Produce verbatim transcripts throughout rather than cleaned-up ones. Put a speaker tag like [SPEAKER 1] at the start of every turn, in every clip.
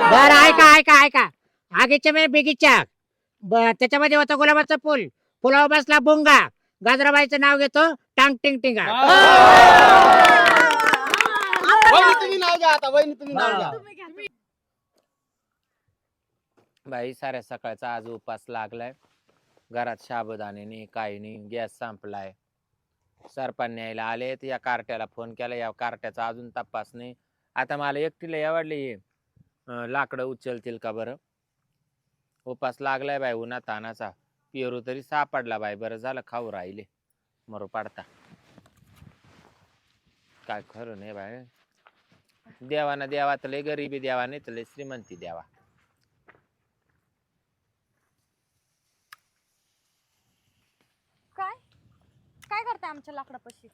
[SPEAKER 1] बर ऐका ऐका ऐका आगीच्या मे बिगीच्या ब- त्याच्यामध्ये होतं गुलाबाचं फुल फुलावर बसला बुंगा गाजराबाईचं नाव घेतो टांग टिंग टिंगा
[SPEAKER 2] वहिनी तुम्ही नाव घ्या आता वहिनी तुम्ही नाव घ्या
[SPEAKER 3] तुम्ही घ्या.
[SPEAKER 4] बाई साऱ्या सकाळचा आज उपास लागलाय घरात साबुदाणे नाही काही नाही गॅस संपलाय सरपण न्यायला आले तर या कार्ट्याला फोन केला या कार्ट्याचा अजून तपास नाही आता मला एकटीला यावडली लाकडं उचलतील का बरं उपास लागलाय बाई उन्हा तानाचा पेरू तरी सापडला बाई बरं झालं खाऊ राहिले मरो पाडता काय खरं नाही बाई देवाना देवा तर लय गरिबी द्यावा नाही तर लय श्रीमंती द्यावा
[SPEAKER 3] काय काय करताय आमच्या लाकडापाशी?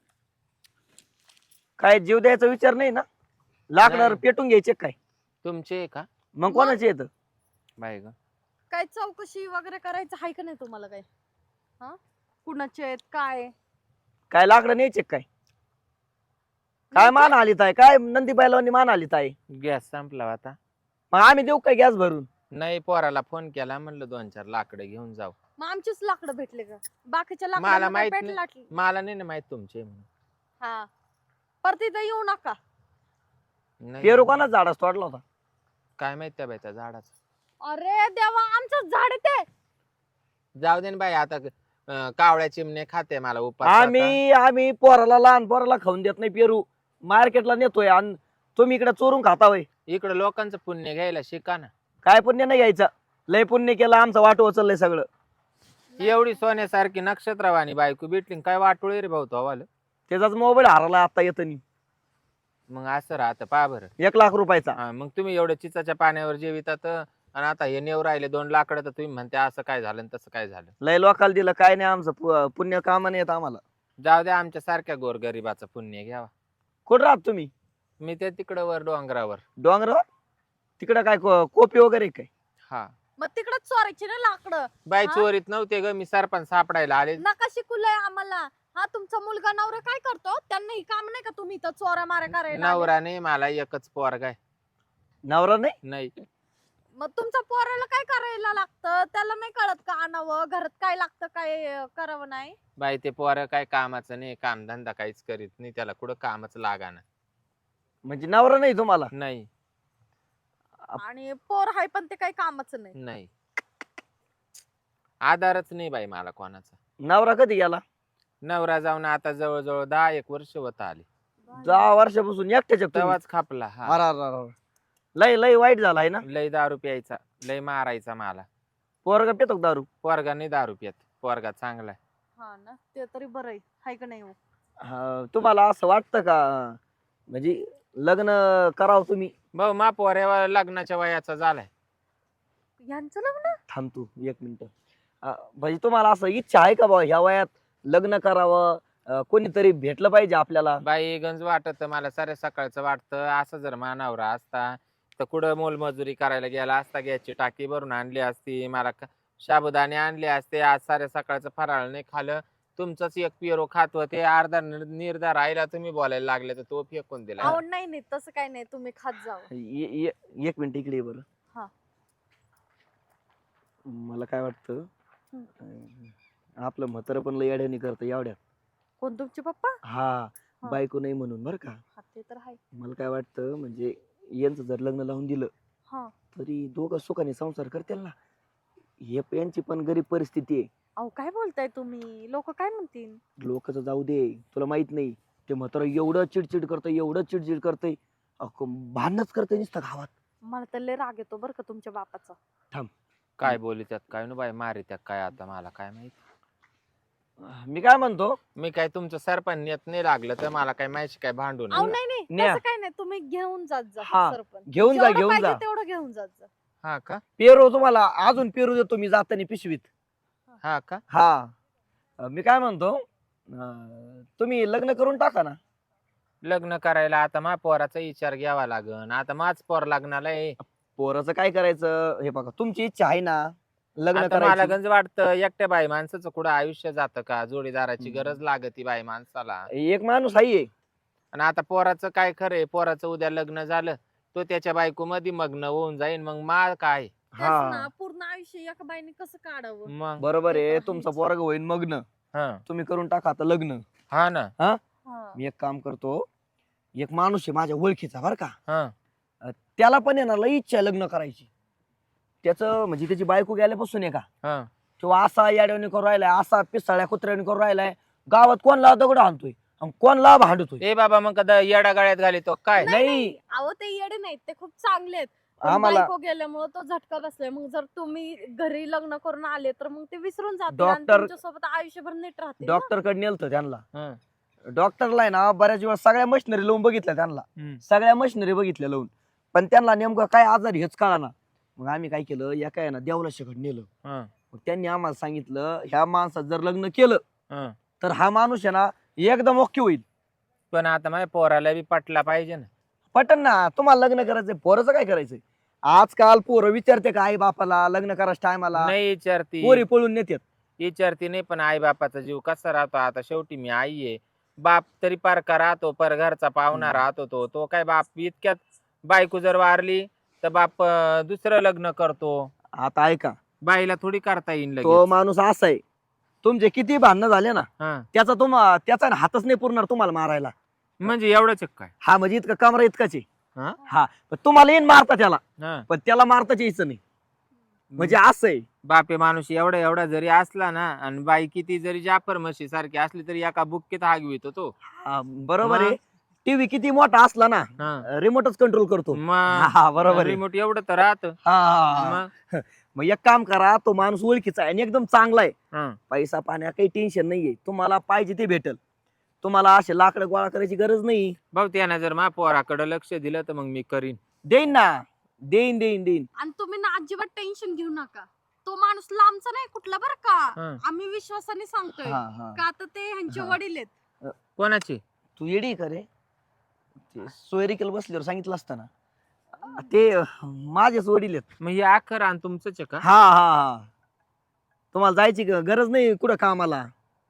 [SPEAKER 5] काय जीव द्यायचा विचार नाही ना लाकडावर
[SPEAKER 4] नाही.
[SPEAKER 5] पेटून घ्यायचे काय
[SPEAKER 4] तुमचे आहे का
[SPEAKER 5] मग कोणाचे येत
[SPEAKER 4] बाई ग
[SPEAKER 3] काय चौकशी वगैरे करायचं आहे का नाही तुम्हाला? काय हा कुणाचे आहेत काय?
[SPEAKER 5] काय लाकडं न्यायचे काय काय मान आलीत आहे काय नंदी बैलांनी मान आलीत आहे
[SPEAKER 4] गॅस संपला आता
[SPEAKER 5] मग आम्ही देऊ काय गॅस भरून
[SPEAKER 4] नाही पोराला फोन केला म्हणलं दोन चार लाकडं घेऊन जाऊ
[SPEAKER 3] मग आमचीच लाकडं भेटले का? बाकीच्या
[SPEAKER 4] मला
[SPEAKER 3] लाकडांना
[SPEAKER 4] माहित
[SPEAKER 3] काय
[SPEAKER 4] नाही.
[SPEAKER 3] पेट लाटली?
[SPEAKER 4] मला नाही ना माहित तुमचे म्हणून
[SPEAKER 3] हा परत इथं येऊ नका.
[SPEAKER 4] नाही.
[SPEAKER 5] पेरू कोणाच झाडास तोडला होता
[SPEAKER 4] काय माहित त्या बाई त्या झाडाचं
[SPEAKER 3] अरे देवा आमचं झाड आहे ते.
[SPEAKER 4] जाऊ दे ना बाई आता अं, कावळ्या चिमणे खाते मला उपास आता.
[SPEAKER 5] आम्ही आम्ही पोराला लहान पोराला खाऊन देत नाही पेरू मार्केटला नेतोय आणि तुम्ही इकडे चोरून खाता होय
[SPEAKER 4] इकडं लोकांचं पुण्य घ्यायला शिका ना
[SPEAKER 5] काय पुण्य नाही घ्यायचं लय पुण्य केलं आमचं वाट उचललंय सगळं
[SPEAKER 4] एवढी सोन्यासारखी नक्षत्रवाणी बायको भेटली न काय वाटोळी रे भाऊ तो
[SPEAKER 5] त्याचाच मोबाईल हरला आता येतानी
[SPEAKER 4] मग असं राहतं पा बरं
[SPEAKER 5] एक लाख रुपयाचा
[SPEAKER 4] हा, मग तुम्ही एवढं चिचाच्या पाण्यावर जेवितात आणि आता हे नेव राहिले दोन लाकडं तर तुम्ही म्हणते असं काय झालं न तसं काय झालं
[SPEAKER 5] लय लोकाला दिलं काय नाही आमचं पु- पुण्य कामा नाही येत आम्हाला
[SPEAKER 4] जाऊ द्या आमच्या सारख्या गोरगरिबाचं पुण्य घ्यावा
[SPEAKER 5] कुठं राहत तुम्ही
[SPEAKER 4] मी ते तिकडं वर डोंगरावर
[SPEAKER 5] डोंगरावर तिकडं काय को- कोपी वगैरे काय
[SPEAKER 4] हा
[SPEAKER 3] मग तिकडच चोरायची ना लाकडं.
[SPEAKER 4] बाई
[SPEAKER 3] हा?
[SPEAKER 4] चोरीत नव्हते ग मी सरपंच सापडायला आले
[SPEAKER 3] नका शिकूलय आम्हाला. हा तुमचा मुलगा नवरा काय करतो? त्यांना ही काम नाही का तुम्ही इथं चोऱ्या माऱ्या करायला आले?
[SPEAKER 4] नवराने मला एकच पोरगा आहे
[SPEAKER 5] नवरा नाही
[SPEAKER 4] नाही
[SPEAKER 3] मग तुमच्या पोराला काय करायला लागतं? त्याला नाही कळत का आणावं घरात काय लागतं काय अं, करावं नाही?
[SPEAKER 4] बाई ते पोर काय कामाचं नाही कामधंदा काहीच करीत नाही त्याला कुठं कामच लागाना
[SPEAKER 5] म्हणजे नवरा नाही तुम्हाला
[SPEAKER 4] नाही
[SPEAKER 3] आणि पोर हाय पण ते काही कामाचं नाही.
[SPEAKER 4] नाही आधारच नाही बाई मला कोणाचा
[SPEAKER 5] नवरा कधी गेला
[SPEAKER 4] नवरा जाऊन आता जवळजवळ दहा एक वर्ष होत आली
[SPEAKER 5] दहा वर्षापासून एकट्याच्या तुम्ही?
[SPEAKER 4] तेव्हाच खापला हा
[SPEAKER 5] अरे, अरे, अरे. लय लय वाईट झालाय ना
[SPEAKER 4] लय दारू प्यायचा लय मारायचा मला
[SPEAKER 5] पोरगा पितो का दारू
[SPEAKER 4] पोरगा नाही दारू पियत पोरगा चांगला आहे.
[SPEAKER 3] हा ना ते तरी बरं आहे हाय का नाही हो?
[SPEAKER 5] हा, तुम्हाला असं वाटतं का म्हणजे लग्न करावं तुम्ही
[SPEAKER 4] भाऊ मा पोऱ्या लग्नाच्या वयाचा झालाय
[SPEAKER 3] यांचं लग्न?
[SPEAKER 5] थांब तू एक मिनिट म्हणजे तुम्हाला असं इच्छा आहे का बाबा ह्या वयात लग्न करावं अं, कोणीतरी भेटलं पाहिजे आपल्याला
[SPEAKER 4] बाई गंज वाटत मला सारे सकाळचं वाटतं असं जर मानावरा असता तर कुठं मोलमजुरी करायला गेला असता गॅसची टाकी भरून आणली असती मला क- साबुदाणे आणले असते आज सारे सकाळचं फराळ नाही खाल्लं तुमचंच एक पिरो खात होते अर्धा निर- निर्धार राहिला तुम्ही बोलायला लागले तर तो फेकून दिला
[SPEAKER 3] अहो नाही नाही तसं काही नाही तुम्ही खात जावं.
[SPEAKER 5] ये- ये- एक मिनिट इकडे ये बरं
[SPEAKER 3] हा.
[SPEAKER 5] मला काय वाटतं अं, आपलं म्हातारं पण लय अड्यानी करतं एवढ्यात
[SPEAKER 3] कोण तुमचे पप्पा?
[SPEAKER 5] हा
[SPEAKER 3] हा.
[SPEAKER 5] बायको नाही म्हणून बरं का
[SPEAKER 3] हा ते तर आहे.
[SPEAKER 5] मला काय वाटतं म्हणजे यांचं जर लग्न लावून दिलं
[SPEAKER 3] हा
[SPEAKER 5] तरी दोघं सुखाने संसार करतील ना हे प- यांची पण गरीब परिस्थिती आहे
[SPEAKER 3] अहो काय बोलताय तुम्ही? लोक काय म्हणतील?
[SPEAKER 5] लोकच जाऊ दे तुला माहित नाही ते म्हातारं एवढं चिडचिड करतंय एवढं चिडचिड करतंय अख्खं भांडणच करतंय नुसतं गावात
[SPEAKER 3] मला तर लय राग येतो बरं का तुमच्या बापाचा.
[SPEAKER 4] काय बोली त्यात काय नु बाई मारी त्यात काय आता मला काय माहित
[SPEAKER 5] मी काय म्हणतो
[SPEAKER 4] मी काय तुमचं सरपंच येत नाही लागलं तर मला काय माहिती काय भांडून
[SPEAKER 3] अहो नाही नाही
[SPEAKER 5] न्या.
[SPEAKER 3] तसं काय नाही तुम्ही घेऊन जात जा
[SPEAKER 5] हा,
[SPEAKER 3] सरपंच.
[SPEAKER 5] घेऊन जा
[SPEAKER 3] जेवढं
[SPEAKER 5] घेऊन
[SPEAKER 3] पाहिजे
[SPEAKER 5] जा
[SPEAKER 3] तेवढं घेऊन जात जा.
[SPEAKER 4] हा का
[SPEAKER 5] पेरू तुम्हाला अजून पेरू देतो मी जाताना पिशवीत
[SPEAKER 4] हा का
[SPEAKER 5] हा अं, मी काय म्हणतो अं, तुम्ही लग्न करून टाका ना
[SPEAKER 4] लग्न करायला आता मा पोराचा विचार घ्यावा लागन आता माझ पोर लग्नाला आहे
[SPEAKER 5] पोराचं काय करायचं हे बघा तुमची इच्छा आहे ना लग्न
[SPEAKER 4] आता मला
[SPEAKER 5] करायचं
[SPEAKER 4] गंज वाटतं एकट्या बाई माणसाचं कुठं आयुष्य जातं का जोडीदाराची
[SPEAKER 5] हम्म.
[SPEAKER 4] गरज लागती बाई माणसाला
[SPEAKER 5] एक माणूस आहे
[SPEAKER 4] आणि आता पोराचं काय खरंय पोराचं उद्या लग्न झालं तो त्याच्या बायको मध्ये मग्न होऊन जाईन, मग माळ काय?
[SPEAKER 3] तेच ना,
[SPEAKER 5] हा
[SPEAKER 3] पूर्ण आयुष्य एका बाईने कसं काढावं?
[SPEAKER 4] मग
[SPEAKER 5] बरोबर
[SPEAKER 3] ते
[SPEAKER 5] आहे.
[SPEAKER 3] तर
[SPEAKER 5] तुमचं
[SPEAKER 3] आहेच.
[SPEAKER 5] पोरग होईन मग्न,
[SPEAKER 4] हा
[SPEAKER 5] तुम्ही करून टाका आता लग्न.
[SPEAKER 4] हा ना.
[SPEAKER 3] हा.
[SPEAKER 5] मी एक काम करतो, एक माणूस आहे माझ्या ओळखीचा बर का,
[SPEAKER 4] हा
[SPEAKER 5] त्याला पण आहे ना लई इच्छा आहे लग्न करायची. त्याचं म्हणजे त्याची बायको गेल्यापासून आहे का
[SPEAKER 4] हा
[SPEAKER 5] किंवा असा याड्याने करून राहिलाय, असा पिसाळ्या कुत्र्याने करून राहिलाय, गावात कोणला दगड आणतोय आणि कोणला भांडतोय.
[SPEAKER 4] ए बाबा, मग कदा येडा गाळ्यात घाली तो काय?
[SPEAKER 3] नाही,
[SPEAKER 5] नाही
[SPEAKER 3] अहो ते येडे नाहीत, ते खूप चांगले आहेत. पण
[SPEAKER 5] आम्हाला
[SPEAKER 3] बायको गेल्यामुळे तो झटका बसलाय. मग जर तुम्ही घरी लग्न करून आले तर मग ते विसरून जातील आणि
[SPEAKER 5] डॉक्टर-
[SPEAKER 3] तुमच्यासोबत आयुष्यभर नीट राहतील ना.
[SPEAKER 5] डॉक्टर कडे नेलतं त्यांना.
[SPEAKER 4] हा.
[SPEAKER 5] डॉक्टरला आहे ना बऱ्याच वेळा सगळ्या मशिनरी लावून बघितल्या त्यांना,
[SPEAKER 4] हम्म.
[SPEAKER 5] सगळ्या मशिनरी बघितल्या लावून, पण त्यांना नेमकं काय आजार हेच कळाना. मग आम्ही काय केलं, या काय ना देवलाशकडे नेलं.
[SPEAKER 4] हा.
[SPEAKER 5] मग त्यांनी आम्हाला सांगितलं ह्या माणसात जर लग्न केलं
[SPEAKER 4] हा.
[SPEAKER 5] तर हा माणूस आहे ना एकदम ओके होईल.
[SPEAKER 4] पण आता माझ्या पोराला बी पटला पाहिजे ना.
[SPEAKER 5] पटन ना, तुम्हाला लग्न करायचंय, पोराचं काय करायचंय. आजकाल पोरं विचारते का आई बापाला लग्न करायच्या टायमाला,
[SPEAKER 4] नाही विचारती,
[SPEAKER 5] पोरी पळून नेतात.
[SPEAKER 4] विचारती नाही, पण आई बापाचा जीव कसा राहतो. आता शेवटी मी आई आहे, बाप तरी पारका राहतो, पर घरचा पाहुणा
[SPEAKER 5] हम्म.
[SPEAKER 4] राहतो. तो तो काय बाप इतक्यात बायको जर वारली तर बाप अं, दुसरं लग्न करतो.
[SPEAKER 5] आता ऐका,
[SPEAKER 4] बाईला थोडी करता येईल
[SPEAKER 5] तो
[SPEAKER 4] लगेच.
[SPEAKER 5] माणूस असा आहे, तुमचे किती भांडणं झाले ना
[SPEAKER 4] हा.
[SPEAKER 5] त्याचा तुम त्याचा हातच नाही पुरणार तुम्हाला मारायला.
[SPEAKER 4] म्हणजे एवढंच आहे काय?
[SPEAKER 5] हा म्हणजे इतका कमरा इतकाच आहे.
[SPEAKER 4] हा?
[SPEAKER 5] हा पण तुम्हाला येईन मारता त्याला,
[SPEAKER 4] हा.
[SPEAKER 5] पण त्याला मारताच यायचं नाही. म्हणजे असं आहे.
[SPEAKER 4] बापे माणूस एवढा एवढा जरी असला ना, आणि बाई किती जरी जाफर म्हशी सारखी असली तरी एका बुक्कीत हागवितो तो.
[SPEAKER 5] हा, बरोबर
[SPEAKER 4] मग?
[SPEAKER 5] आहे. टीव्ही किती मोठा असला ना
[SPEAKER 4] हा.
[SPEAKER 5] रिमोटच कंट्रोल करतो.
[SPEAKER 4] मग
[SPEAKER 5] हा बरोबर आहे.
[SPEAKER 4] रिमोट एवढं तर राहत.
[SPEAKER 5] हा
[SPEAKER 4] मग
[SPEAKER 5] मग एक काम करा, तो माणूस ओळखीचा आहे आणि एकदम चांगला आहे.
[SPEAKER 4] हा.
[SPEAKER 5] पैसा पाण्या काही टेन्शन नाहीये, तुम्हाला पाहिजे ते भेटल. तुम्हाला असे लाकडं गोळा करायची गरज नाही.
[SPEAKER 4] भाऊ त्यानं जर मा पोराकडे लक्ष दिलं तर मग मी करीन.
[SPEAKER 5] देईन ना, देईन देईन देईन.
[SPEAKER 3] आणि तुम्ही ना अजिबात टेन्शन घेऊ नका. तो माणूस लांबचा नाही कुठला बरं का.
[SPEAKER 4] हा.
[SPEAKER 3] आम्ही विश्वासाने सांगतोय
[SPEAKER 5] हा हा
[SPEAKER 3] का आता ते ह्यांचे
[SPEAKER 5] हा.
[SPEAKER 3] वडील आहेत.
[SPEAKER 4] कोणाची?
[SPEAKER 5] तू येडी करे, ते सोयरिकल बसल्यावर सांगितलं असतं ना, ते माझेच वडील आहेत.
[SPEAKER 4] मग हे आखर आणि तुमचंच आहे का?
[SPEAKER 5] हा हा हा तुम्हाला जायची ग- गरज नाही कुठं कामाला.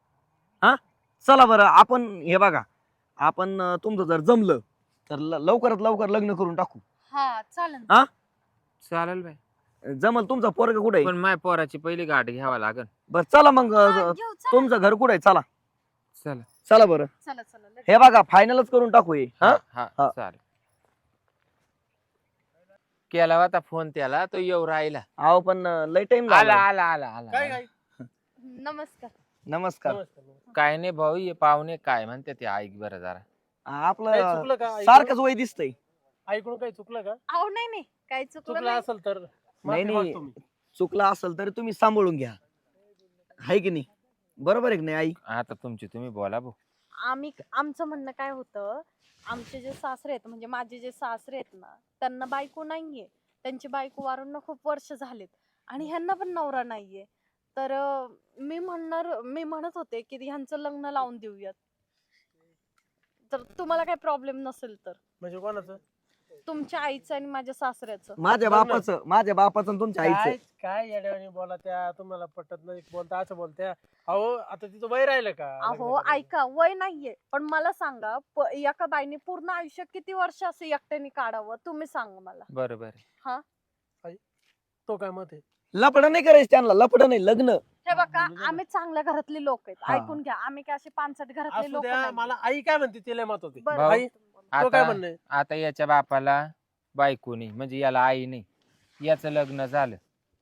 [SPEAKER 5] हा चला बरं, आपण हे बघा, आपण अं, तुमचं जर जमलं तर ल- लवकरात लवकर लग्न करून टाकू.
[SPEAKER 3] हा चालेल.
[SPEAKER 4] चालेल बाई,
[SPEAKER 5] जमल. तुमचा पोरगा कुठे आहे?
[SPEAKER 4] पण माझ्या पोराची पहिली गाठ घ्यावा लागल.
[SPEAKER 5] बरं चला मग,
[SPEAKER 3] हा,
[SPEAKER 5] अं,
[SPEAKER 3] घेऊ, चला.
[SPEAKER 5] तुमचं घर कुठे आहे? चला
[SPEAKER 4] चला.
[SPEAKER 5] चला बरं.
[SPEAKER 3] चला चला लगेच.
[SPEAKER 5] हे बघा फायनलच करून टाकू हे. हा
[SPEAKER 4] हा
[SPEAKER 5] हा.
[SPEAKER 4] चालेल. केला होता फोन त्याला, तो येऊ राहिला.
[SPEAKER 5] अहो पण अं, लय टाइम
[SPEAKER 4] आला आला आला आला
[SPEAKER 2] काय
[SPEAKER 4] आला.
[SPEAKER 2] काय
[SPEAKER 3] नमस्कार.
[SPEAKER 5] नमस्कार.
[SPEAKER 2] नमस्कार, नमस्कार.
[SPEAKER 4] काय नाही भाऊ, हे पाहुणे काय म्हणते ते ऐक बरं जरा.
[SPEAKER 2] काय
[SPEAKER 5] आपलं
[SPEAKER 2] चुकलं का ऐकून?
[SPEAKER 5] सारखंच वय दिसतंय.
[SPEAKER 2] ऐकून काही चुकलं का?
[SPEAKER 3] अहो नाही नाही काही चुकलं
[SPEAKER 2] चुकलं
[SPEAKER 3] नाही.
[SPEAKER 2] असेल तर
[SPEAKER 5] नाही,
[SPEAKER 2] माफी
[SPEAKER 5] नाही.
[SPEAKER 2] मागतो मी.
[SPEAKER 5] चुकलं असेल तर तुम्ही सांभाळून घ्या, हाय की नाही? बरोबर आहे की नाही आई?
[SPEAKER 4] आता तुमची तुम्ही बोला भाऊ.
[SPEAKER 3] आम्ही आमचं म्हणणं काय होतं, आमचे जे सासरे आहेत म्हणजे माझे जे सासरे आहेत ना, त्यांना बायको नाहीये. त्यांची बायको वारून ना खूप वर्ष झालेत आणि ह्यांना पण नवरा नाहीये. तर अं, मी म्हणणार मी म्हणत होते की ह्यांचं लग्न लावून देऊयात. तर तुम्हाला काही प्रॉब्लेम नसेल तर.
[SPEAKER 2] म्हणजे कोणाचं?
[SPEAKER 3] तुमच्या आईचं आणि माझ्या सासऱ्याचं.
[SPEAKER 5] माझ्या
[SPEAKER 2] बघ ना.
[SPEAKER 5] बापाचं माझ्या बापाचं आणि तुमच्या
[SPEAKER 2] काय
[SPEAKER 5] आईचं.
[SPEAKER 2] काय येड्यावानी बोला त्या, तुम्हाला पटत नाही बोलता असं बोलत्या. अहो आता तिचं वय राहिलं का
[SPEAKER 3] अहो
[SPEAKER 2] लग्न करायचं?
[SPEAKER 3] ऐका, वय नाहीये पण मला सांगा, प- एका बाईने पूर्ण आयुष्य किती वर्ष असं एकट्याने काढावं तुम्ही सांगा मला.
[SPEAKER 4] बरोबर आहे.
[SPEAKER 2] तो काय मत आहे?
[SPEAKER 5] लपड नाही करायचं त्यांना, लपड नाही, लग्न.
[SPEAKER 3] हे बघा,
[SPEAKER 2] म्हणजे
[SPEAKER 3] आम्ही चांगल्या घरातली लोक आहेत,
[SPEAKER 5] हा.
[SPEAKER 3] ऐकून घ्या. आम्ही काय असे पानसट घरातले
[SPEAKER 2] असू
[SPEAKER 3] लोक
[SPEAKER 2] द्या,
[SPEAKER 3] नाही.
[SPEAKER 2] मला आई काय म्हणते तिला मत होते.
[SPEAKER 3] बरं,
[SPEAKER 4] भाऊ,
[SPEAKER 2] आई
[SPEAKER 3] तुम्ही बोला.
[SPEAKER 2] तो काय
[SPEAKER 4] आता
[SPEAKER 2] म्हणणं आहे?
[SPEAKER 4] आता याच्या बापाला बायको नाही, म्हणजे याला आई नाही. याचं लग्न झालं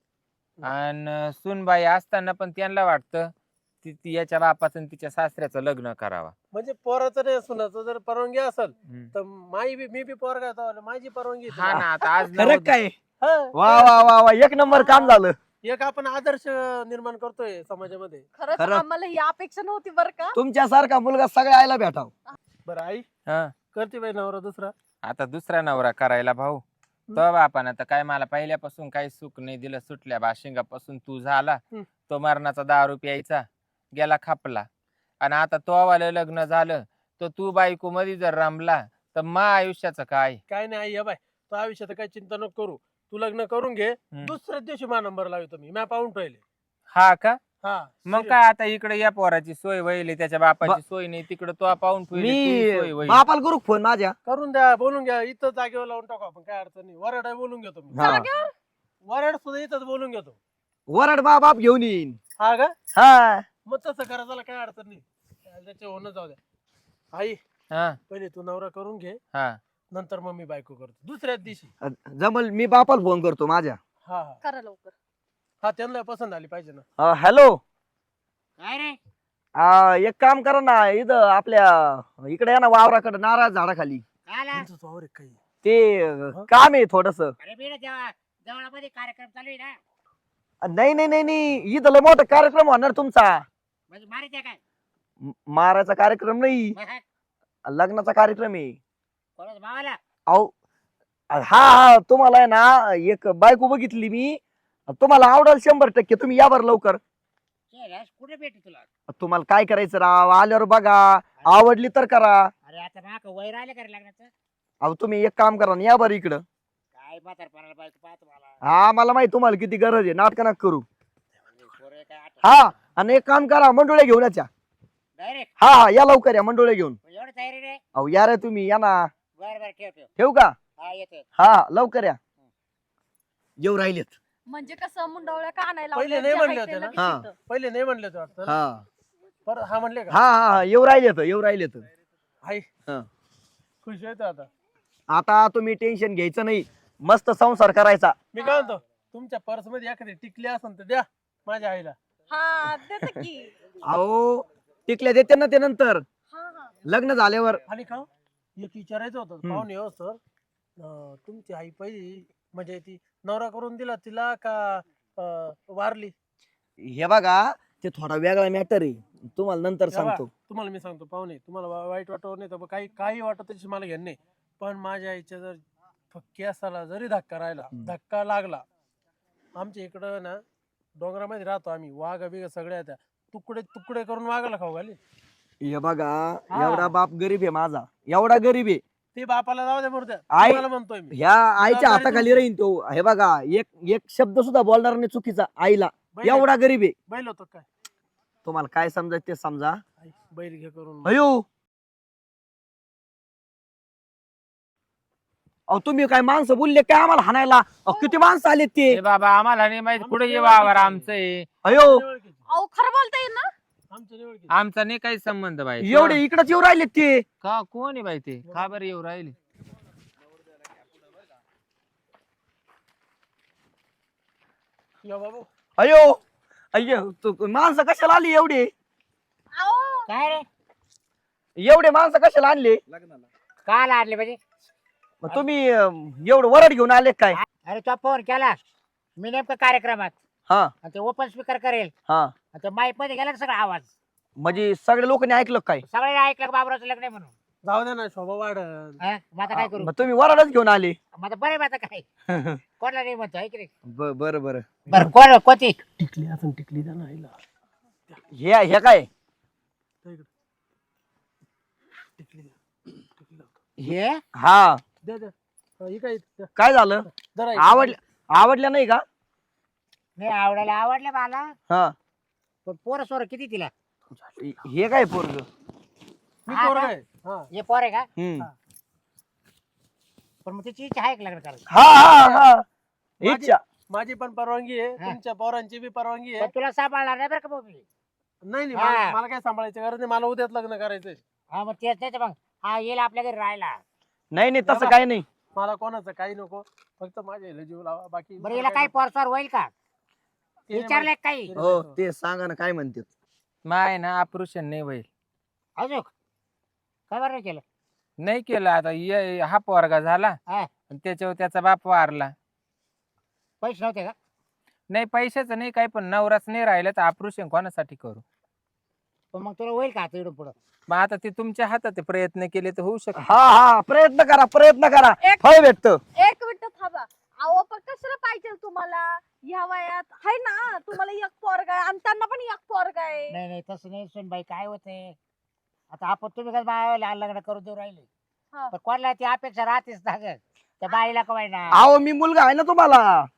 [SPEAKER 4] आणि सुनबाई असताना पण त्यांना वाटतं ती ती याच्या बापाचं आणि तिच्या सासऱ्याचं लग्न करावा.
[SPEAKER 2] म्हणजे पोराचं नाही सुनाचं जर परवानगी असेल
[SPEAKER 4] हम्म.
[SPEAKER 2] तर माई बी मी बी पोरगा होतो, माझी परवानगी आहे
[SPEAKER 4] हा
[SPEAKER 2] तिला.
[SPEAKER 4] ना, आता आज
[SPEAKER 5] खरं
[SPEAKER 4] नवोद-
[SPEAKER 5] काय?
[SPEAKER 2] हा.
[SPEAKER 5] वा वा वा वा, एक नंबर काम झालं.
[SPEAKER 2] एक आपण आदर्श निर्माण करतोय समाजामध्ये.
[SPEAKER 3] खरंच
[SPEAKER 5] खरं.
[SPEAKER 3] आम्हाला ही अपेक्षा नव्हती बरं का.
[SPEAKER 5] तुमच्यासारखा मुलगा सगळ्या आईला भेटाव.
[SPEAKER 2] बरं आई
[SPEAKER 4] हा.
[SPEAKER 2] करते बाई नवरा दुसरा.
[SPEAKER 4] आता दुसरा नवरा करायला भाऊ, तो बापानं तर काय मला पहिल्यापासून काही सुख नाही दिलं. सुटल्या बाशिंगापासून तू झाला,
[SPEAKER 2] हम्म.
[SPEAKER 4] तो मरणाचा दारू प्यायचा, गेला खापला. आणि आता तो वालं लग्न झालं, तर तू बायको मध्ये जर रमला तर मा आयुष्याचं काय?
[SPEAKER 2] काय नाही आई, हे बाय तो आयुष्यात काही चिंता नको करू. तू लग्न करून घे,
[SPEAKER 4] हम्म.
[SPEAKER 2] दुसऱ्याच दिवशी मा नंबर लावतो मी. मॅ पाहून ठेवले.
[SPEAKER 4] हा का?
[SPEAKER 2] हा
[SPEAKER 4] मग
[SPEAKER 2] serious.
[SPEAKER 4] काय आता इकडे या पोराची सोय व्हायली त्याच्या बापाची सोय नाही तिकडे तो पाहून ठेवली तुझी सोय
[SPEAKER 5] मी
[SPEAKER 4] होईल.
[SPEAKER 5] बापाला करू फोन माझ्या.
[SPEAKER 2] करून द्या बोलून घ्या इथं जागेवर लावून टाकू आपण काय अडचण नाही वराड बोलून घेतो मी
[SPEAKER 5] हा.
[SPEAKER 3] जागेवर
[SPEAKER 2] वराड सुद्धा इथंच बोलून घेतो
[SPEAKER 5] वरड बा बाप घेऊन येईन.
[SPEAKER 2] हा का
[SPEAKER 5] हा
[SPEAKER 2] मग तसं करा त्याला काय अडचण नाही त्याचे होणं जाऊ द्या आई
[SPEAKER 4] हा
[SPEAKER 2] पहिले तू नवरा करून घे
[SPEAKER 4] हा
[SPEAKER 2] नंतर मग मी बायको करतो दुसऱ्याच दिवशी
[SPEAKER 5] जमल मी बापाला फोन करतो माझ्या.
[SPEAKER 2] हा हा
[SPEAKER 3] करा लवकर.
[SPEAKER 2] हा त्यांना पसंत आली पाहिजे ना
[SPEAKER 5] अं, हॅलो
[SPEAKER 1] काय रे
[SPEAKER 5] अं, एक काम करा ना इथं आपल्या इकडे या ना वावराकडे नारळ झाडाखाली.
[SPEAKER 1] काय आला?
[SPEAKER 2] त्यांचं वावर आहे काही
[SPEAKER 5] ते अं, काम आहे थोडस.
[SPEAKER 1] अरे मी देवा देवळामध्ये कार्यक्रम चालू आहे ना.
[SPEAKER 5] नाही नाही नाही नाही इथं लय मोठा कार्यक्रम होणार तुमचा.
[SPEAKER 1] म्हणजे मारित आहे काय?
[SPEAKER 5] म- मारायचा कार्यक्रम नाही
[SPEAKER 1] मग हा,
[SPEAKER 5] लग्नाचा कार्यक्रम आहे.
[SPEAKER 1] कोणाच्या भावाला?
[SPEAKER 5] अहो हा हा तुम्हाला आहे ना एक बायको बघितली मी तुम्हाला आवडेल शंभर टक्के तुम्ही या बरं लवकर.
[SPEAKER 1] शेऱ्यास कुठे भेटू तुला?
[SPEAKER 5] तुम्हाला काय करायचं राव आल्यावर बघा आवडली तर करा.
[SPEAKER 1] अरे आता नाक वय राहिले का रे लग्नाचं?
[SPEAKER 5] अहो तुम्ही एक काम करा ना या बरं इकडं.
[SPEAKER 1] काय म्हातारपणाला बायको पाहतो मला.
[SPEAKER 5] हा मला माहिती तुम्हाला किती गरज आहे नाटक नका करू.
[SPEAKER 1] पोरं काय आठ-
[SPEAKER 5] हा आणि एक काम करा मंडोळे घेऊन याच्या.
[SPEAKER 1] डायरेक्ट
[SPEAKER 5] हा हा या लवकर या मंडोळे घेऊन.
[SPEAKER 1] एवढं तयारी रे?
[SPEAKER 5] अहो या रे तुम्ही या ना.
[SPEAKER 1] बरं बरं ठेव ठेव.
[SPEAKER 5] ठेवू का?
[SPEAKER 1] हा येतो.
[SPEAKER 5] हा लवकर या. येऊ राहिलेत.
[SPEAKER 3] म्हणजे कसं मुंडवळ्या का आणायला
[SPEAKER 2] पहिले
[SPEAKER 3] लावल्या,
[SPEAKER 2] नाही
[SPEAKER 3] जे
[SPEAKER 2] म्हणले
[SPEAKER 3] आहे ते
[SPEAKER 2] होते ना?
[SPEAKER 3] लगेच
[SPEAKER 5] हा.
[SPEAKER 3] येतं.
[SPEAKER 2] पहिले नाही म्हणले होते वाटतं ना?
[SPEAKER 5] हा
[SPEAKER 2] परत हा म्हणले का
[SPEAKER 5] हा हा हा, येऊ राहिलेत येऊ राहिलेत.
[SPEAKER 2] आई
[SPEAKER 5] हा.
[SPEAKER 2] खुश आहे आता
[SPEAKER 5] आता तुम्ही टेन्शन घ्यायचं नाही मस्त संसार करायचा.
[SPEAKER 2] मी काय म्हणतो तुमच्या पर्स मध्ये एखादी टिकली असेल तर द्या माझ्या आईला
[SPEAKER 3] हा देते की.
[SPEAKER 5] अहो टिकल्या देते ना ते नंतर
[SPEAKER 3] हा हा
[SPEAKER 5] लग्न झाल्यावर.
[SPEAKER 2] आणि का एक विचारायचं होतं
[SPEAKER 5] हम्म.
[SPEAKER 2] पाहुणे हो सर अं, तुमची आई पहिली म्हणजे ती नवरा करून दिला तिला का अं, वारली
[SPEAKER 5] हे बघा ते थोडा वेगळा मॅटर आहे तुम्हाला नंतर
[SPEAKER 2] हे बघा,
[SPEAKER 5] सांगतो.
[SPEAKER 2] तुम्हाला मी सांगतो पाहुणे तुम्हाला वा- वाईट वाटत नाही तर काही काही वाटत त्याची मला घेणं नाही पण माझ्या आईच्या जर केसाला जरी धक्का राहिला
[SPEAKER 5] हम्म.
[SPEAKER 2] धक्का लागला आमच्या इकडं ना डोंगरामध्ये राहतो आम्ही वाघ बिघ सगळ्या त्या तुकडे तुकडे करून वाघाला खाऊ घाली
[SPEAKER 5] हे बघा
[SPEAKER 2] हा.
[SPEAKER 5] एवढा बाप गरीब आहे माझा एवढा गरीब आहे.
[SPEAKER 2] ते बापाला जाऊ दे मूर्त्या
[SPEAKER 5] आई-
[SPEAKER 2] तुम्हाला म्हणतोय मी
[SPEAKER 5] ह्या आईच्या
[SPEAKER 2] जबाबदारी
[SPEAKER 5] हाताखाली
[SPEAKER 2] तुमची.
[SPEAKER 5] राहीन तो. हे बघा एक एक शब्द सुद्धा बोलणार नाही चुकीचा आईला.
[SPEAKER 2] बैल
[SPEAKER 5] एवढा गरीब आहे.
[SPEAKER 2] बैल होतो काय
[SPEAKER 5] तुम्हाला काय समजायचं ते समजा.
[SPEAKER 2] आई, बैल घे करून
[SPEAKER 5] अयो अहो तुम्ही काय माणसं बोलले काय आम्हाला हाणायला. अहो किती माणसं आलेत ते.
[SPEAKER 4] ए बाबा आम्हाला नाही माहित कुठे
[SPEAKER 2] आमच्या
[SPEAKER 4] ये वावर
[SPEAKER 2] ओळखीचे.
[SPEAKER 4] आमचं आहे.
[SPEAKER 5] अयो
[SPEAKER 2] निवडकीचे.
[SPEAKER 3] अहो खरं बोलता येईल ना.
[SPEAKER 2] आमच्या निवडकीचे.
[SPEAKER 4] आमचा नाही काही संबंध बाई.
[SPEAKER 5] एवढे इकडच येऊ राहिलेत ते.
[SPEAKER 4] का कोण आहे बाई ते का बरं येऊ राहिले?
[SPEAKER 2] या बाबू
[SPEAKER 5] अयो अय्यो तू माणसं कशाला आली एवढे
[SPEAKER 3] अहो
[SPEAKER 1] काय रे?
[SPEAKER 5] एवढे माणसं कशाला आणले.
[SPEAKER 1] काल आणले म्हणजे?
[SPEAKER 5] मग तुम्ही अं, एवढं वरड घेऊन आले काय.
[SPEAKER 1] अरे तो फोन केला मी नेमकं कार्यक्रमात
[SPEAKER 5] हा
[SPEAKER 1] आणि ते ओपन स्पीकर करेल
[SPEAKER 5] हा
[SPEAKER 1] आणि ते माईक मध्ये गेला ना सगळा आवाज
[SPEAKER 5] म्हणजे सगळ्या लोकांनी ऐकलं काय.
[SPEAKER 1] सगळे ऐकलं का बाबराचं लग्न आहे म्हणून.
[SPEAKER 2] जाऊ दे ना शोभा वाढन
[SPEAKER 1] हा? मग आता काय करू?
[SPEAKER 5] मग तुम्ही वरडच घेऊन आले.
[SPEAKER 1] मग आता बरं आहे मग आता काय कोणाला नाही म्हणतो ऐक रे.
[SPEAKER 5] ब- बरं बरं
[SPEAKER 1] बरं कोण कोणती?
[SPEAKER 2] टिकली असून टिकली द्या ना आईला
[SPEAKER 5] हे हे काय
[SPEAKER 2] त्या इकडे. टिकली द्या टिकली लावतो.
[SPEAKER 1] हे
[SPEAKER 5] हा
[SPEAKER 2] द्या द्या हा, ही काय द्या.
[SPEAKER 5] काय झालं
[SPEAKER 2] जरा एक.
[SPEAKER 5] आवडल्या आवडल्या नाही का.
[SPEAKER 1] नाही आवडायला आवडलं मला
[SPEAKER 5] हा
[SPEAKER 1] पण पोरं सोरं किती तिला?
[SPEAKER 5] हे काय पोरग.
[SPEAKER 2] मी
[SPEAKER 1] हा
[SPEAKER 2] पोरगा
[SPEAKER 1] का?
[SPEAKER 2] आहे हा
[SPEAKER 1] हे पोर आहे का?
[SPEAKER 5] हम्म
[SPEAKER 1] पण मग तिची इच्छा आहे का लग्न करायची?
[SPEAKER 5] हा हा हा इच्छा.
[SPEAKER 2] माझी पण परवानगी आहे
[SPEAKER 1] हा.
[SPEAKER 2] तुमच्या पोरांची बी परवानगी
[SPEAKER 1] पण
[SPEAKER 2] आहे
[SPEAKER 1] तुला सांभाळणार नाही बरं का भाऊ मी.
[SPEAKER 2] नाही नाही
[SPEAKER 1] हा.
[SPEAKER 2] मला मला काय सांभाळायची गरज नाही मला उद्याच लग्न करायचंय
[SPEAKER 1] हा मग तेच नाही तर मग हा येईल आपल्या घरी राहायला.
[SPEAKER 5] नाही नाही तसं काही नाही.
[SPEAKER 2] मला कोणाचं काही नको फक्त माझ्या ह्याला जीव लावा बाकी
[SPEAKER 1] बरं हिला काही पोरसोर होईल का?
[SPEAKER 2] ते नाही
[SPEAKER 1] विचारलंय का काही?
[SPEAKER 2] माहिती.
[SPEAKER 5] हो ते सांगा ना काय म्हणते.
[SPEAKER 4] माय ना ऑपरेशन नाही होईल.
[SPEAKER 1] अजून काय बरं नाही केलं?
[SPEAKER 4] नाही केलं आता ये- हा पोरगा झाला
[SPEAKER 1] हा.
[SPEAKER 4] आणि त्याच्यावर त्याचा बाप वारला.
[SPEAKER 1] पैसे नव्हते का?
[SPEAKER 4] नाही पैशाचं नाही काही पण नवराच नाही राहिलं तर ऑपरेशन कोणासाठी करू.
[SPEAKER 1] पण मग तुला होईल का आता इकडून पुढं?
[SPEAKER 4] मग आता ते तुमच्या हातात आहे, प्रयत्न केले तर होऊ शकत.
[SPEAKER 5] हा हा प्रयत्न करा प्रयत्न करा
[SPEAKER 3] एक
[SPEAKER 5] फळ भेटत.
[SPEAKER 3] एक मिनिट थांबा. अहो पण कशाला पाहिजे तुम्हाला ह्या वयात आहे ना तुम्हाला एक पोरगा आहे आणि त्यांना पण एक पोरगा आहे.
[SPEAKER 1] नाही नाही तसं नाही सुन बाई काय होते आता आपण तुम्ही कसं बाळाला लग्न करून देऊ राहिले
[SPEAKER 3] हा.
[SPEAKER 1] पण कोणाला ती अपेक्षा राहतेच ना ग त्या बाईला कवाय ना.
[SPEAKER 5] अहो मी मुलगा आहे ना तुम्हाला.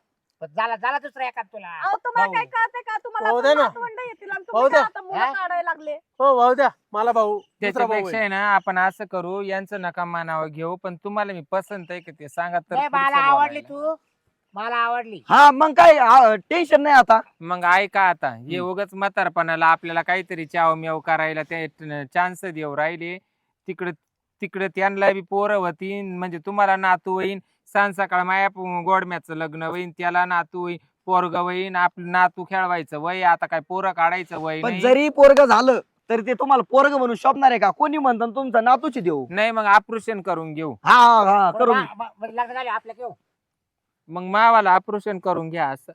[SPEAKER 1] पण झाला झाला दुसरा एखाद तुला.
[SPEAKER 3] अहो तुम्हाला
[SPEAKER 2] भाऊ.
[SPEAKER 3] काय कळतंय का तुम्हाला
[SPEAKER 2] भाऊ
[SPEAKER 3] आता
[SPEAKER 2] दे ना.
[SPEAKER 3] नातवंड येतील आणि
[SPEAKER 2] भाऊ
[SPEAKER 3] तुम्ही
[SPEAKER 2] दे.
[SPEAKER 3] काय आता मुलं
[SPEAKER 1] हा?
[SPEAKER 3] काढायला लागले.
[SPEAKER 2] हो भाऊ द्या मला भाऊ दुसरा भाऊ
[SPEAKER 4] त्याच्यापेक्षा
[SPEAKER 2] आहे.
[SPEAKER 4] आहे ना आपण असं करू यांचं नका मानावं घेऊ पण तुम्हाला मी पसंत आहे का ते सांगा तर
[SPEAKER 1] नाही, मला
[SPEAKER 4] पुढचं
[SPEAKER 1] आवडली
[SPEAKER 4] बोलायला.
[SPEAKER 1] तू मला आवडली.
[SPEAKER 5] हा मग काय टेन्शन नाही आता.
[SPEAKER 4] मग ऐका आता हे उगाच म्हातारपणाला आपल्याला काहीतरी चाव मेव करायला ते चान्स देऊ राहिले तिकडे तिकडे त्यांना बी पोरं होतीन म्हणजे तुम्हाला नातू होईन सांज सकाळ माया गोडम्याचं लग्न होईन त्याला नातू होईन पोरग होईन आपलं नातू खेळवायचं वय आता काय पोरं काढायचं वय
[SPEAKER 5] पण
[SPEAKER 4] नाही.
[SPEAKER 5] जरी पोरग झालं तरी ते तुम्हाला पोरग म्हणून शोभणार आहे का? कोणी म्हणतात तुमचा नातूची देऊ.
[SPEAKER 4] नाही मग ऑपरेशन करून घेऊ
[SPEAKER 5] हा हा
[SPEAKER 1] बरं,
[SPEAKER 5] करून.
[SPEAKER 1] मा- मा- मा- लग्न झाले आपल्या घेऊ.
[SPEAKER 4] मग मावाला ऑपरेशन करून घ्या असं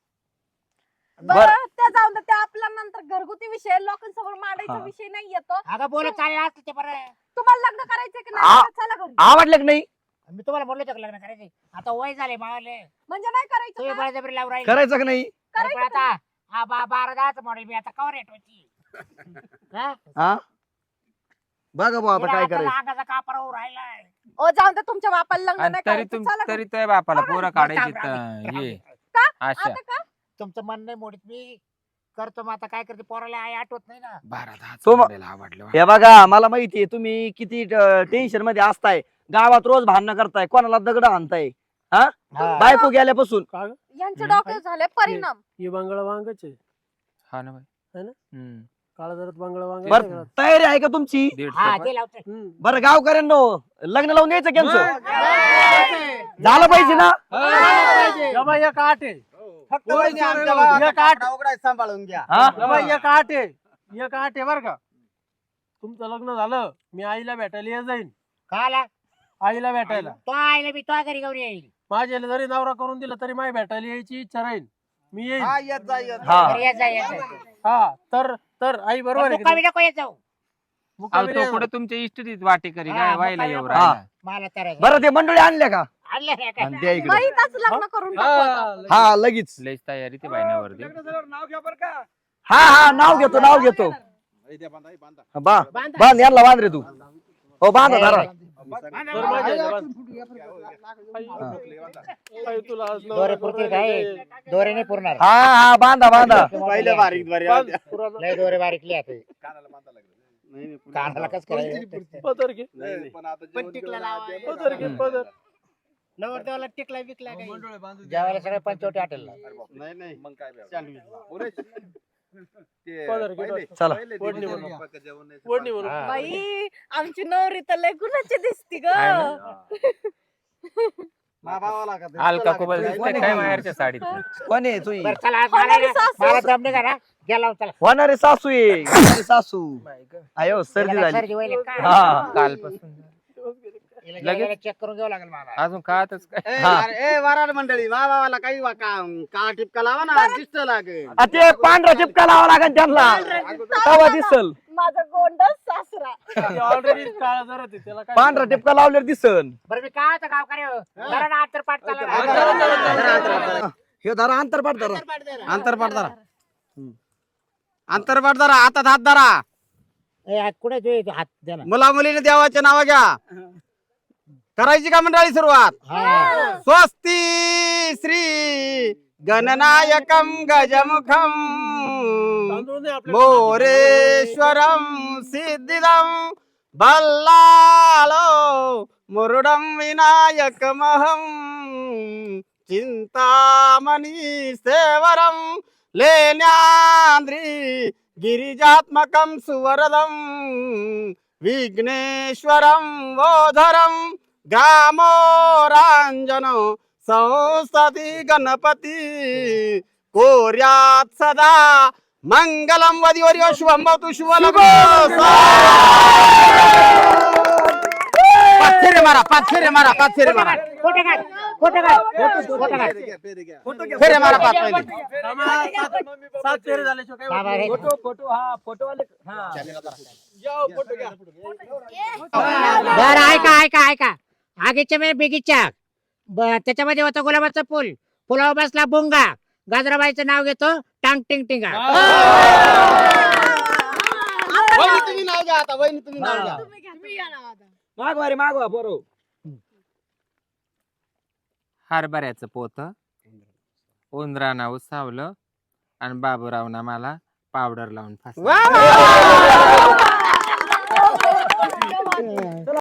[SPEAKER 3] बरं ते जाऊन दे, ते आपला नंतर घरगुती विषय लोकांसमोर मांडायचा
[SPEAKER 5] हा.
[SPEAKER 3] विषय नाही येतो.
[SPEAKER 1] अगं बोलत चालेल असतं ते बरं.
[SPEAKER 3] तुम्हाला लग्न करायचंय की
[SPEAKER 5] आ-
[SPEAKER 3] नाही चला घरी.
[SPEAKER 5] आवडलं की नाही?
[SPEAKER 1] मी तुम्हाला म्हणलो होतं का लग्न करायचे आता वय झाले मावले
[SPEAKER 3] म्हणजे नाही करायचं
[SPEAKER 1] तुम्ही
[SPEAKER 3] का?
[SPEAKER 1] बळजबरी लावून राहिले.
[SPEAKER 5] करायचं की नाही?
[SPEAKER 1] अरे पण आता हा बा बारा दहाच मॉडेल मी आता कवर रेट होती हा?
[SPEAKER 5] हा बघा भाऊ आता
[SPEAKER 1] तिला
[SPEAKER 5] काय
[SPEAKER 1] आता
[SPEAKER 5] करायचं.
[SPEAKER 1] अंगाचा कापरा होऊन राहिलाय.
[SPEAKER 3] ओ जाऊन दे तुमच्या बापाला लग्न
[SPEAKER 4] आणि
[SPEAKER 3] नाही
[SPEAKER 4] तरी
[SPEAKER 3] करायचं
[SPEAKER 4] तुम
[SPEAKER 3] चला
[SPEAKER 4] तरी
[SPEAKER 3] घरी.
[SPEAKER 4] तुझ्या बापाला
[SPEAKER 3] बरं,
[SPEAKER 4] पोरं
[SPEAKER 1] बरं,
[SPEAKER 4] काढायची
[SPEAKER 1] थांब, थांब,
[SPEAKER 4] तर ये
[SPEAKER 3] का?
[SPEAKER 4] अशा
[SPEAKER 3] आता का?
[SPEAKER 1] तुमचं मन नाही मोडीत मी करतो मग आता काय करते पोराला आई आठवत नाही ना.
[SPEAKER 4] बारा दहा
[SPEAKER 5] तो म-
[SPEAKER 4] आवडलं
[SPEAKER 5] हे बघा मला माहितीये तुम्ही किती टेन्शन मध्ये असताय. गावात रोज भांडणं करताय कोणाला दगड आणताय.
[SPEAKER 1] हा.
[SPEAKER 5] बायको गेल्यापासून
[SPEAKER 2] का ग?
[SPEAKER 3] यांच्या
[SPEAKER 4] हम्म.
[SPEAKER 3] डोक्यात झाले परिणाम.
[SPEAKER 2] हे बांगडा वांगच आहे.
[SPEAKER 4] हा ना बाई
[SPEAKER 2] है ना?
[SPEAKER 4] हम्म.
[SPEAKER 2] काळा जरात बांगडा वांग
[SPEAKER 5] बर तयारी आहे का तुमची?
[SPEAKER 4] दीड
[SPEAKER 1] हा
[SPEAKER 4] चपात.
[SPEAKER 1] ते लावतोय.
[SPEAKER 5] बरं गावकऱ्यांनो लग्न लावून द्यायचं कॅन्सर झालं पाहिजे ना?
[SPEAKER 2] एक आठ आहे
[SPEAKER 6] फक्त
[SPEAKER 2] होय,
[SPEAKER 6] वहिनी
[SPEAKER 2] होय,
[SPEAKER 6] आमच्या
[SPEAKER 2] होय.
[SPEAKER 6] गावात
[SPEAKER 2] एक आठ.
[SPEAKER 6] उघडाय सांभाळून घ्या.
[SPEAKER 5] हा?
[SPEAKER 2] या बाई, एक आठ आहे एक आठ आहे बर का. तुमचं लग्न झालं मी आईला भेटायला ये जाईन.
[SPEAKER 1] का आला
[SPEAKER 2] आईला भेटायला
[SPEAKER 1] तो आईला मी तो घरी घेऊन येईल.
[SPEAKER 2] माझ्याला जरी नवरा करून दिला तरी माझी भेटायला यायची इच्छा राहील. मी येईन.
[SPEAKER 6] हा येत जा येत जा.
[SPEAKER 5] हा.
[SPEAKER 1] घरी येत जा, येत जा.
[SPEAKER 2] हा तर तर आई बरोबर आहे की
[SPEAKER 1] मुक्कामी
[SPEAKER 2] नाही?
[SPEAKER 1] नको येत जाऊ
[SPEAKER 4] अहो,
[SPEAKER 2] मुक्कामी
[SPEAKER 4] तो
[SPEAKER 2] नाही
[SPEAKER 4] कुठे तुमच्या इष्टीत वाटे करी
[SPEAKER 1] हा,
[SPEAKER 4] काय
[SPEAKER 1] मग
[SPEAKER 4] व्हायला
[SPEAKER 1] काय
[SPEAKER 4] येऊ
[SPEAKER 1] नको.
[SPEAKER 4] राहिला
[SPEAKER 1] मला तर
[SPEAKER 5] बरं ते मंडळी आणल्या का?
[SPEAKER 1] आणलं नाही काय?
[SPEAKER 5] आणि द्या इकडे.
[SPEAKER 3] बाईचाच लग्न करून टाकू आता.
[SPEAKER 2] हा,
[SPEAKER 5] हा लगेच.
[SPEAKER 4] लईच तयारी ते बायनावर दे
[SPEAKER 5] हा हा नाव घेतो नाव घेतो. बा
[SPEAKER 1] बांधा.
[SPEAKER 5] बांध यांना बांध रे तू. हो बांधा धरा.
[SPEAKER 2] तर माझ्या ह्याच्यावर- आई, तुला आज नवरा
[SPEAKER 1] दोरे
[SPEAKER 2] करून
[SPEAKER 1] पुरतील
[SPEAKER 2] राहिला.
[SPEAKER 1] काय दोरे नाही पुरणार.
[SPEAKER 5] हा हा बांधा बांधा.
[SPEAKER 6] पहिलं बारीक द्वारे
[SPEAKER 2] बांध, पुराण-
[SPEAKER 1] लय दोरे बारीकले आता कानाला कस करायचं
[SPEAKER 2] पदर घे
[SPEAKER 1] पण टिकला लावा.
[SPEAKER 2] पदर घे पदर.
[SPEAKER 1] नवरदेवाला टिकला विकला काही जेवायला सगळे पंचवटी हॉटेलला.
[SPEAKER 6] नाही नाही मग काय
[SPEAKER 2] पदर घे
[SPEAKER 5] चला
[SPEAKER 2] ओढणी म्हणून ओढणी म्हणून
[SPEAKER 1] हा.
[SPEAKER 3] बाई आमची नवरी तर लय गुणाची दिसती ग.
[SPEAKER 4] काय अलका कुबल दिसते काय माहेरच्या साडीत
[SPEAKER 5] कोण आहे तुई?
[SPEAKER 1] बरं, चला आज
[SPEAKER 3] होणारी
[SPEAKER 1] मला
[SPEAKER 3] सासू.
[SPEAKER 1] मला दम नाही करा गेला चला.
[SPEAKER 5] होणारे सासू आहे होणारी सासू. अयो सर्दी
[SPEAKER 1] हिला काय
[SPEAKER 5] झाली.
[SPEAKER 1] सर्दी व्हायली काय?
[SPEAKER 5] हा.
[SPEAKER 4] कालपासून
[SPEAKER 1] हिला
[SPEAKER 4] लगेच?
[SPEAKER 1] गेल्याला चेक करून घ्यावं लागेल मला.
[SPEAKER 4] अजून कातच काय
[SPEAKER 6] ए,
[SPEAKER 5] हा.
[SPEAKER 6] अरे, ए वराड मंडळी मा बाबाला काही वा- का का टिपका लावा ना दिसत लागेल.
[SPEAKER 5] आ, ते पांढरा टिपका लावा लागेल त्यांना तवा दिसल.
[SPEAKER 3] माझा गोंडस सासरा.
[SPEAKER 2] ऑलरेडी काळा जरा ते त्याला काय
[SPEAKER 5] पांढरा टिपका लावल्यावर दिसल.
[SPEAKER 1] बरं मी काय होतं गावकरी हो? जरा ना अंतर पाठ चालला
[SPEAKER 2] हा,
[SPEAKER 1] ना.
[SPEAKER 2] जरा, जरा, जरा, जरा, जरा.
[SPEAKER 5] हे धरा अंतरपाठ धरा.
[SPEAKER 6] अंतरपाठ धरा अंतरपाठ धरा हातात हात धरा.
[SPEAKER 1] ए, हात कुठे तू हात द्या ना.
[SPEAKER 6] मुला मुलीने देवाचे नाव घ्या. करायची का मंडळी सुरुवात?
[SPEAKER 1] हा.
[SPEAKER 6] स्वस्ती श्री गणनायकम गजमुखम
[SPEAKER 2] तांदूळ नाही आपल्याकडे.
[SPEAKER 6] मोरेश्वरम सिद्धिदम बल्लालो मुरुडम विनायकमहम चिंतामणि सेवरम लेन्याद्रि गिरिजात्मकं सुवरदम विघ्नेश्वरं वोधरं ग्रामोराञ्जनो संसति गणपति कोर्यात् सदा मंगलम वदिवर्यो शुभम भवतु शुभलग्नो पाथेरे मारा पाथेरे मारा पाथेरे मारा
[SPEAKER 1] खोटं काय? खोटं काय? खोटं काय?
[SPEAKER 6] फेरे मारा पाच पहिले
[SPEAKER 2] थांबा, सात- सात फेरे झाल्याशिवाय काय
[SPEAKER 1] बाबा
[SPEAKER 2] होत
[SPEAKER 1] रे.
[SPEAKER 2] नाही.
[SPEAKER 5] फोटो फोटो हा फोटो वाले हा.
[SPEAKER 2] जाओ, फोटो घ्या.
[SPEAKER 1] बरं ऐका ऐका ऐका आगीच्या मे बेगीच्या ब- त्याच्यामध्ये होता गुलाबाचा फुल फुलावर बसला बोंगा गाजराबाईचं नाव घेतो टांग टिंग टिंगा.
[SPEAKER 6] वहिनी तुम्ही नाव घ्या आता वहिनी तुम्ही नाव घ्या
[SPEAKER 3] तुम्ही घ्या, तुम्ही घ्या ना आता.
[SPEAKER 5] मागवा रे मागवा बरोबर.
[SPEAKER 4] हरभऱ्याचं पोत उंदराना उसावलं आणि बाबूरावना मला पावडर लावून फास
[SPEAKER 6] वा वा वा.